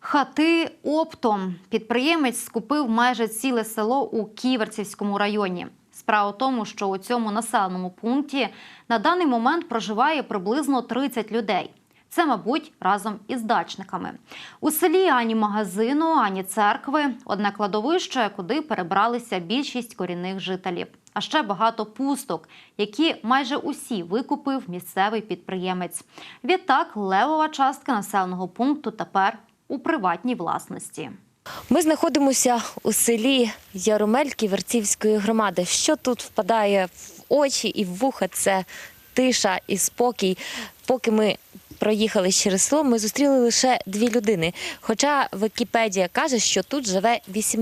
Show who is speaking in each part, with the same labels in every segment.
Speaker 1: Хати оптом. Підприємець скупив майже ціле село у Ківерцівському районі. Справа в тому, що у цьому населеному пункті на даний момент проживає приблизно 30 людей. Це, мабуть, разом із дачниками. У селі ані магазину, ані церкви. Одне кладовище, куди перебралися більшість корінних жителів. А ще багато пусток, які майже усі викупив місцевий підприємець. Відтак, левова частка населеного пункту тепер у приватній власності.
Speaker 2: Ми знаходимося у селі Яромель Ківерцівської громади. Що тут впадає в очі і в вуха – це тиша і спокій. Поки ми проїхали через село, ми зустріли лише 2 людини. Хоча Вікіпедія каже, що тут живе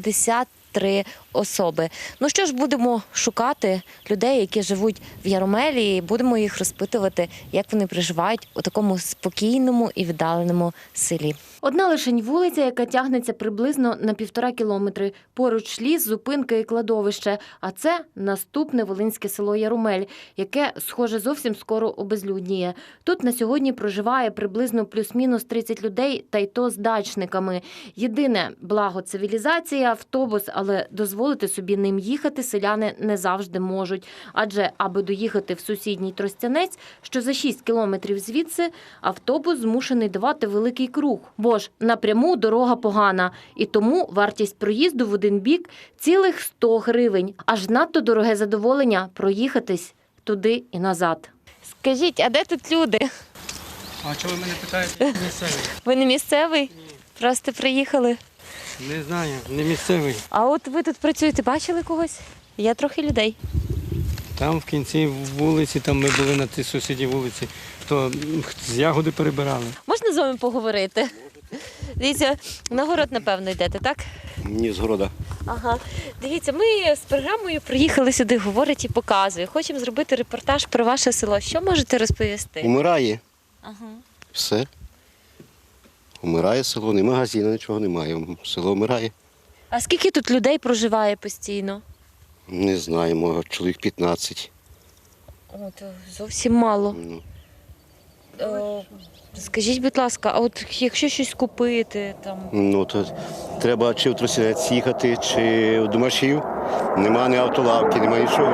Speaker 2: 83 особи. Ну що ж, будемо шукати людей, які живуть в Яромелі, і будемо їх розпитувати, як вони проживають у такому спокійному і віддаленому селі. Одна лишень вулиця, яка тягнеться приблизно на 1,5 кілометри. Поруч ліс, зупинка і кладовище. А це наступне волинське село Яромель, яке, схоже, зовсім скоро обезлюдніє. Тут на сьогодні проживає приблизно плюс-мінус 30 людей, та й то з дачниками. Єдине благо – цивілізація, автобус, але дозволити собі ним їхати селяни не завжди можуть. Адже, аби доїхати в сусідній Тростянець, що за 6 кілометрів звідси, автобус змушений давати великий круг. Бо ж напряму дорога погана, і тому вартість проїзду в один бік – цілих 100 гривень. Аж надто дороге задоволення проїхатись туди і назад. Скажіть, а де тут люди?
Speaker 3: А чого ви мене питаєте? Місцевий.
Speaker 2: Ви не місцевий? Ні. Просто приїхали?
Speaker 3: Не знаю, не місцевий.
Speaker 2: А от ви тут працюєте, бачили когось? Є трохи людей.
Speaker 3: Там в кінці вулиці, там ми були на тій сусідній вулиці, то з ягоди перебирали.
Speaker 2: Можна з вами поговорити? Дивіться, на город, напевно, йдете, так?
Speaker 4: Ні, з города.
Speaker 2: Ага. Дивіться, ми з програмою приїхали сюди, говорить і показує. Хочемо зробити репортаж про ваше село. Що можете розповісти?
Speaker 4: Умирає.
Speaker 2: Ага.
Speaker 4: Все. Умирає село, ні магазину, нічого немає. Село вмирає.
Speaker 2: А скільки тут людей проживає постійно?
Speaker 4: Не знаю, може, чоловік 15.
Speaker 2: О, то зовсім мало.
Speaker 4: Ну,
Speaker 2: Скажіть, будь ласка, а от якщо щось купити, там...
Speaker 4: ну, то треба чи в Тростянець їхати, чи в Домашів. Нема ні автолавки, нема нічого.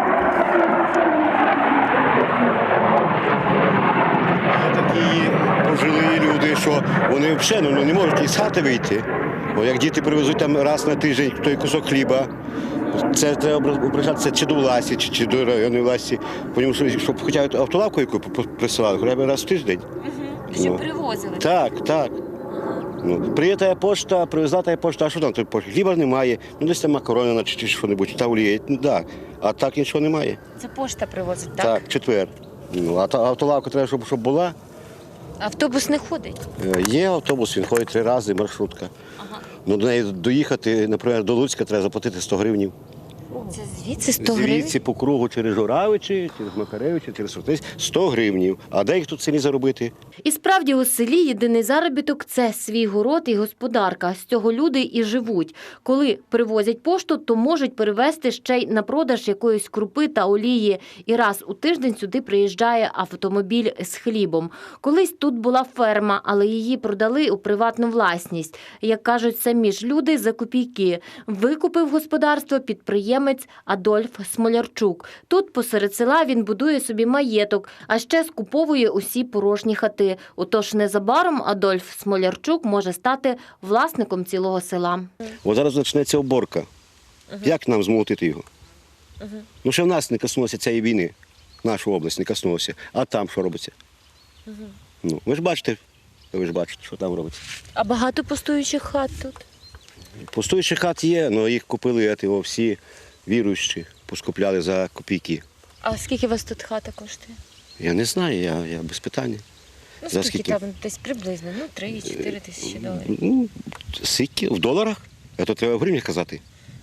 Speaker 4: Є такі пожилі люди, що вони взагалі не можуть із хати вийти. Бо як діти привезуть там раз на тиждень той кусок хліба, це треба обращатися чи до власті, чи до районної власті. Тому що, щоб хоча б автолавку яку присилали, хоча б раз в тиждень.
Speaker 2: Щоб привозили?
Speaker 4: Так, так. Ну, приїде пошта, привезла пошта, а що там? Хліба немає, ну десь там макарони чи що-небудь, та олія, ну так. А так нічого немає.
Speaker 2: Це пошта привозить, так?
Speaker 4: Так, четвер. Ну, а автолавка треба, щоб була.
Speaker 2: Автобус не ходить?
Speaker 4: Є автобус, він ходить 3 рази, маршрутка.
Speaker 2: Ага.
Speaker 4: Ну, до неї доїхати, наприклад, до Луцька треба заплатити 100 гривень.
Speaker 2: Це звідси 100 гривень?
Speaker 4: Звідси по кругу через Журавичі, через Макаревичі, через Сортиць 100 гривень. А де їх тут в селі заробити?
Speaker 2: І справді у селі єдиний заробіток – це свій город і господарка. З цього люди і живуть. Коли привозять пошту, то можуть перевезти ще й на продаж якоїсь крупи та олії. І раз у тиждень сюди приїжджає автомобіль з хлібом. Колись тут була ферма, але її продали у приватну власність. Як кажуть самі ж люди, за копійки. Викупив господарство підприємець Адольф Смолярчук. Тут посеред села він будує собі маєток, а ще скуповує усі порожні хати. Отож незабаром Адольф Смолярчук може стати власником цілого села.
Speaker 4: От зараз почнеться уборка. Як нам змолотити його? Ну, ще в нас не коснулося цієї війни, нашу область не коснулося. А там що робиться? Ну, ви ж бачите, що там робиться.
Speaker 2: А багато пустуючих хат тут?
Speaker 4: Пустуючих хат є, але їх купили всі віруючі, поскупляли за копійки.
Speaker 2: А скільки у вас тут хата коштує?
Speaker 4: Я не знаю, я без питання.
Speaker 2: Ну,
Speaker 4: За
Speaker 2: скільки там десь приблизно? 3-4 тисячі доларів.
Speaker 4: Ну, скільки? В доларах? А то треба в гривнях казати.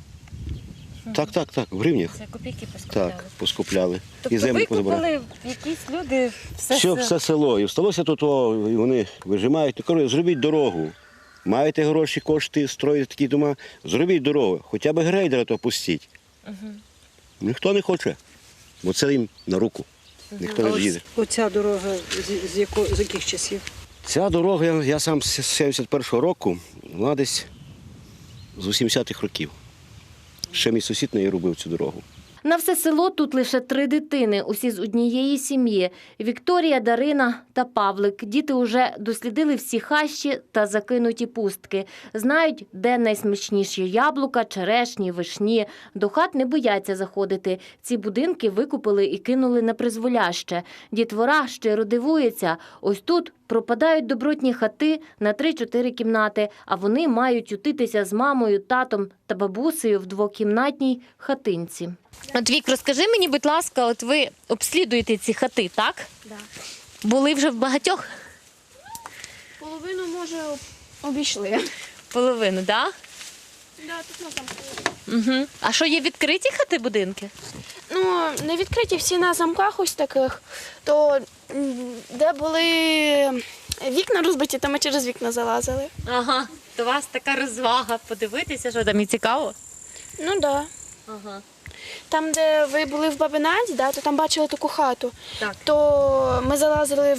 Speaker 4: Так, в гривнях.
Speaker 2: Це копійки поскупляли?
Speaker 4: Так, поскупляли.
Speaker 2: Тобто
Speaker 4: землю позабирали.
Speaker 2: викупили якісь люди
Speaker 4: Все село. І всталося тут, і вони вижимають. Кажуть, зробіть дорогу. Маєте гроші, кошти, строїти такі дома, зробіть дорогу. Хоча б грейдера то пустіть. Ніхто не хоче, бо це їм на руку. Ніхто не їде.
Speaker 5: Оця дорога з яких часів?
Speaker 4: Ця дорога, я сам з 71-го року, вона десь з 80-х років. Ще мій сусід неї робив цю дорогу.
Speaker 2: На все село тут лише 3 дитини, усі з однієї сім'ї – Вікторія, Дарина та Павлик. Діти уже дослідили всі хащі та закинуті пустки. Знають, де найсмачніші яблука, черешні, вишні. До хат не бояться заходити. Ці будинки викупили і кинули на призволяще. Дітвора щиро дивується. Ось тут пропадають добротні хати на 3-4 кімнати, а вони мають ютитися з мамою, татом та бабусею в двокімнатній хатинці. От, Вік, розкажи мені, будь ласка, от ви обслідуєте ці хати, так?
Speaker 5: Да.
Speaker 2: Були вже в багатьох?
Speaker 5: Половину, може, обійшли.
Speaker 2: Половину, так?
Speaker 5: Да, тут на замку.
Speaker 2: Угу. А що, є відкриті хати, будинки?
Speaker 5: Ну, не відкриті всі на замках ось таких, то де були вікна розбиті, то ми через вікна залазили.
Speaker 2: Ага, то у вас така розвага. Подивитися, що там і цікаво?
Speaker 5: Ну так. Да.
Speaker 2: Ага.
Speaker 5: Там, де ви були в Бабинаді, да, то там бачили таку хату.
Speaker 2: Так.
Speaker 5: То ми залазили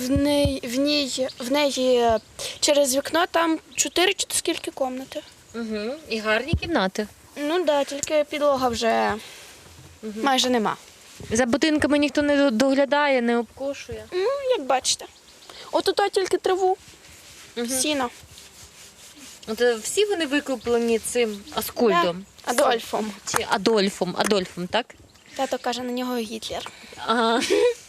Speaker 5: в неї через вікно, там 4 чи скільки кімнати.
Speaker 2: Угу. І гарні кімнати.
Speaker 5: Ну так, да, тільки підлога вже майже нема.
Speaker 2: За будинками ніхто не доглядає, не обкошує.
Speaker 5: Ну, як бачите. От тільки траву, сіно.
Speaker 2: От всі вони викуплені цим Аскольдом?
Speaker 5: Да, Адольфом.
Speaker 2: Чи Адольфом, так?
Speaker 5: Тато каже на нього Гітлер.
Speaker 2: Ага.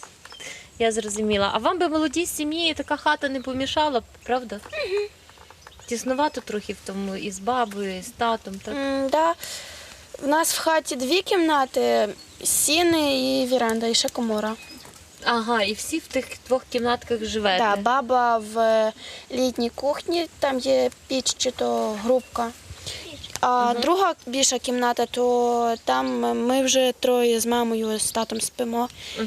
Speaker 2: Я зрозуміла. А вам би молодій сім'ї така хата не помішала б, правда? Угу. Тіснувато трохи в тому і з бабою, і з татом, так?
Speaker 5: Да. У нас в хаті 2 кімнати, сіни і віранда, і ще комора.
Speaker 2: Ага, і всі в тих 2 кімнатках живете?
Speaker 5: Да, баба в літній кухні, там є піч чи то грубка. А друга більша кімната, то там ми вже 3 з мамою, з татом спимо.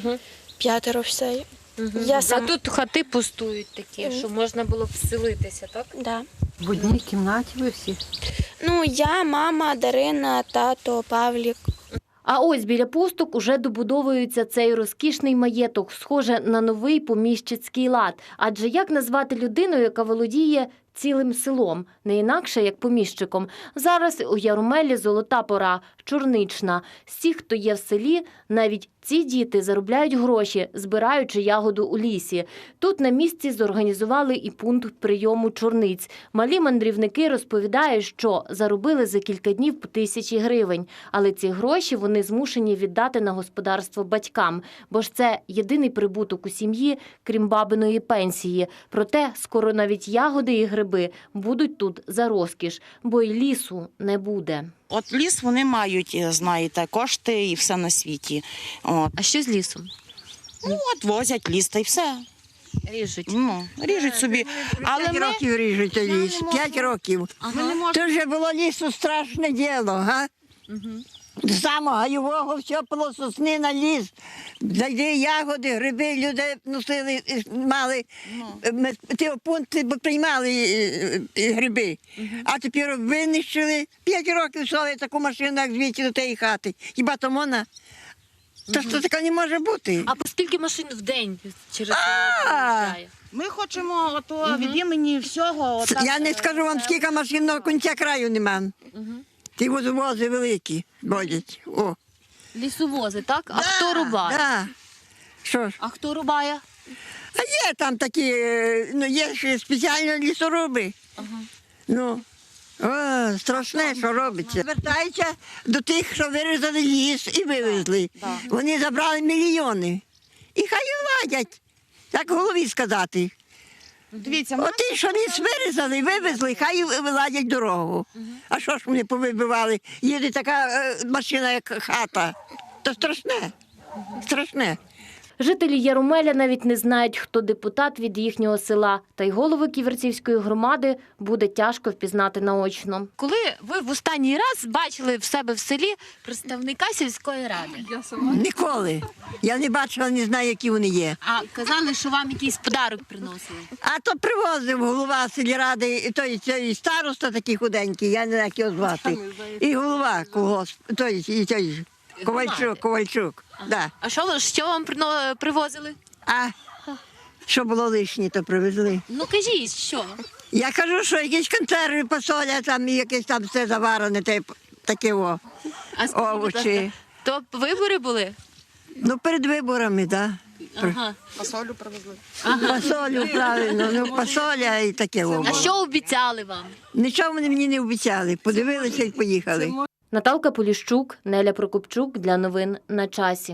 Speaker 5: 5 все. Я
Speaker 2: А тут хати пустують такі, що можна було б вселитися, так?
Speaker 5: Да.
Speaker 6: В одній кімнаті ви всі?
Speaker 5: Ну, я, мама, Дарина, тато, Павлік.
Speaker 2: А ось біля пусток уже добудовується цей розкішний маєток, схоже на новий поміщицький лад. Адже як назвати людину, яка володіє цілим селом, не інакше, як поміщиком? Зараз у Ярмолі золота пора, чорнична. З тих, хто є в селі, навіть ці діти заробляють гроші, збираючи ягоду у лісі. Тут на місці зорганізували і пункт прийому чорниць. Малі мандрівники розповідають, що заробили за кілька днів по 1000 гривень. Але ці гроші вони змушені віддати на господарство батькам, бо ж це єдиний прибуток у сім'ї, крім бабиної пенсії. Проте скоро навіть ягоди і гриби будуть тут за розкіш, бо й лісу не буде.
Speaker 7: От ліс вони мають, знаєте, кошти і все на світі. От.
Speaker 2: А що з лісом?
Speaker 7: Ну, от возять ліс та й все.
Speaker 2: Ріжуть.
Speaker 7: Ну, ріжуть собі. Але
Speaker 6: 5
Speaker 7: ми...
Speaker 6: років ріжуть ліс, 5 років.
Speaker 7: Ми не можемо...
Speaker 6: Це вже було лісу страшне діло, га? З самого гайового все було сосни на ліс. Зайди ягоди, гриби, люди носили, мали, ті пункти бо приймали гриби. А тепер винищили. 5 років слали таку машину, як звідти до тієї хати. Хіба то можна? Та що таке не може бути?
Speaker 2: А по скільки машин в день через проїжджає?
Speaker 7: Ми хочемо ото від імені всього... отак,
Speaker 6: Я не скажу вам, скільки машин на кінця краю нема. Ті водовози великі ходять. О.
Speaker 2: Лісовози, так? А
Speaker 6: Да,
Speaker 2: хто рубає?
Speaker 6: Да. Що ж?
Speaker 2: А хто рубає?
Speaker 6: А є там такі, ну є ж спеціальні лісоруби. Ну, о, страшне, що робиться. Звертаються до тих, що вирізали ліс і вивезли. Вони забрали мільйони. І хай владять, як голові сказати.
Speaker 7: Дивіться,
Speaker 6: Оті, що ліс вирізали, вивезли, хай виладять дорогу. А що ж вони повибивали? Їде така машина, як хата. То страшне. Страшне.
Speaker 2: Жителі Ярмоля навіть не знають, хто депутат від їхнього села. Та й голови Ківерцівської громади буде тяжко впізнати наочно. Коли ви в останній раз бачили в себе в селі представника сільської ради?
Speaker 6: Ніколи. Я не бачила, не знаю, які вони є.
Speaker 2: А казали, що вам якийсь подарок приносили?
Speaker 6: А то привозив голова сільради, той староста такий худенький, я не знаю, як його звати. І голова колгосп, той Ковальчук. Да.
Speaker 2: А що вам привозили?
Speaker 6: А Що було лишнє, то привезли.
Speaker 2: Ну кажіть, що?
Speaker 6: Я кажу, що якісь консерви, посоля, там і якесь там все заварене, таке о.
Speaker 2: А скажіть, будь
Speaker 6: Овочі.
Speaker 2: ласка, то вибори були?
Speaker 6: Ну, перед виборами, так.
Speaker 2: Ага.
Speaker 7: Фасолю привезли.
Speaker 6: Посолю, правильно, ну, посоля і таке о.
Speaker 2: А що обіцяли вам?
Speaker 6: Нічого вони мені не обіцяли. Подивилися і поїхали.
Speaker 2: Наталка Поліщук, Неля Прокопчук для новин на часі.